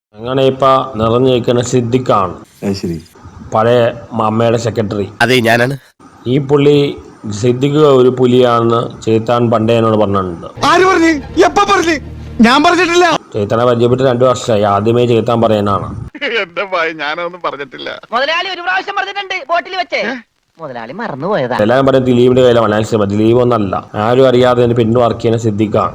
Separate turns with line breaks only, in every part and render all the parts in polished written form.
അങ്ങനെ ഇപ്പൊ നിറഞ്ഞു നിൽക്കുന്ന സിദ്ദിഖാണ്.
ശരി,
പഴയ അമ്മയുടെ സെക്രട്ടറി.
അതെ, ഞാനാണ്.
ഈ പുള്ളി സിദ്ദിഖ് ഒരു പുലിയാണെന്ന് ചേത്താൻ പണ്ടേ എന്നോട് പറഞ്ഞിട്ടുണ്ട്.
ആര് പറഞ്ഞു? എപ്പ പറഞ്ഞു? ഞാൻ പറഞ്ഞിട്ടില്ല.
ചേത്താനെ പരിചയപ്പെട്ട് 2 വർഷമായി. ആദ്യമേ ചേത്താൻ പറയാനാണ്.
എന്റെ ഭയ ഞാനൊന്നും പറഞ്ഞിട്ടില്ല.
മുതലാളി ഒരു പ്രാവശ്യം പറഞ്ഞിട്ടുണ്ട് ബോട്ടിൽ വെച്ചേ. മുതലാളി മറന്നുപോയതാ.
എല്ലാവരും പറയും ദിലീപിന്റെ കയ്യിലെ മലയാള ദിലീപ് ഒന്നല്ല, ആരും അറിയാതെ പിന്നെ വർക്ക് ചെയ്യുന്ന സിദ്ദിഖാണ്.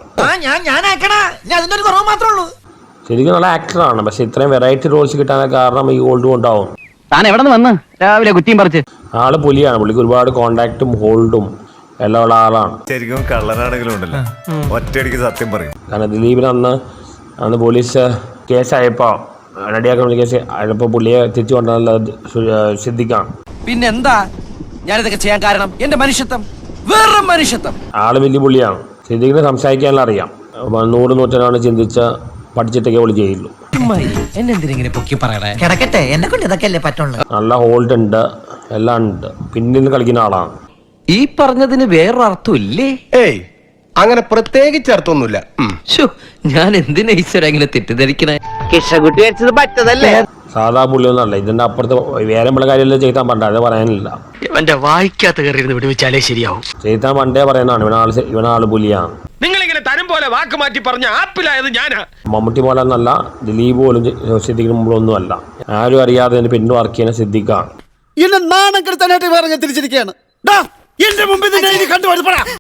ശരിക്കും നല്ല ആക്ടറാണ്. പക്ഷെ ഇത്രയും വെറൈറ്റി റോൾസ് കിട്ടാനൊക്കെ കാരണം ഈ ഹോൾഡ് കൊണ്ടാവും.
താൻ എവിടെ നിന്ന് വന്ന് രാവിലെ കുറ്റിയും പറിച്ച്?
ആള് പുലിയാണ്. പുള്ളിക്ക് ഒരുപാട് കോണ്ടാക്റ്റും ഹോൾഡും എല്ലാം ഉള്ള ആളാണ്.
ശരിക്കും കള്ളനാണെങ്കിലും ഉണ്ടല്ലോ, ഒറ്റയടിക്ക് സത്യം പറയും.
കാരണം ദിലീപിന് അന്ന് പോലീസ് കേസായപ്പോ റെഡിയാക്കുന്ന കേസ് ആയപ്പോ പുള്ളിയെ തിരിച്ചു കൊണ്ടുവന്നത് സിദ്ദിഖാണ്.
പിന്നെന്താ ഞാനിതൊക്കെ ചെയ്യാൻ കാരണം? എന്റെ മനുഷ്യത്വം, വേറെ മനുഷ്യത്വം.
ആള് വലിയ പുള്ളിയാണ്. സിദ്ദിഖിന് സംസാരിക്കാനുള്ള അറിയാം. 100 ചിന്തിച്ച് പഠിച്ചിട്ടൊക്കെ പുള്ളി ചെയ്യുള്ളൂ.
എന്നെന്തിനെ പൊക്കി പറയണേ?
കിടക്കട്ടെ, എന്നെ കൊണ്ട് ഇതൊക്കെ അല്ലേ പറ്റുള്ളൂ.
നല്ല ഹോൾഡ് ഉണ്ട്, എല്ലാം ഉണ്ട്. പിന്നിൽ കളിക്കുന്ന ആളാണ്.
ഈ പറഞ്ഞതിന് വേറൊരർത്ഥം ഇല്ലേ?
ഏയ്, അങ്ങനെ പ്രത്യേകിച്ച് അർത്ഥമൊന്നുമില്ല.
ഞാൻ എന്തിനാ ഈശ്വര ഇങ്ങനെ തെറ്റിദ്ധരിക്കണേ?
കിഷകുട്ടി വെച്ചത് പറ്റതല്ലേ?
സാധാ പുള്ളിയൊന്നല്ല. ഇതിന്റെ അപ്പുറത്ത് വേറെ നമ്മളെ കാര്യമല്ലേ ചെയ്താൻ പണ്ട, അത് പറയാനില്ല.
എന്റെ വായിക്കാത്ത കയറിയിരുന്ന് വിടുവിച്ചാലേ ശരിയാവും.
ചെയ്താൻ പണ്ടേ പറയുന്നതാണ് ഇവനാള് പുലിയാണ്.
നിങ്ങളിങ്ങനെ തരം പോലെ വാക്ക് മാറ്റി പറഞ്ഞ ആപ്പിലായത് ഞാനാ.
മമ്മൂട്ടി പോലെ എന്നല്ല, ദിലീപ് പോലും സിദ്ദിഖിന് മുമ്പൊന്നും അല്ല. ആരും അറിയാതെ പിന്നെ വർക്ക് ചെയ്യുന്ന സിദ്ദിഖാണ്.
എന്നെ നാണം കെടുത്താനായിട്ട് പറഞ്ഞ് തിരിച്ചിരിക്കുകയാണ്. എന്റെ മുമ്പിൽ കണ്ടുപോയി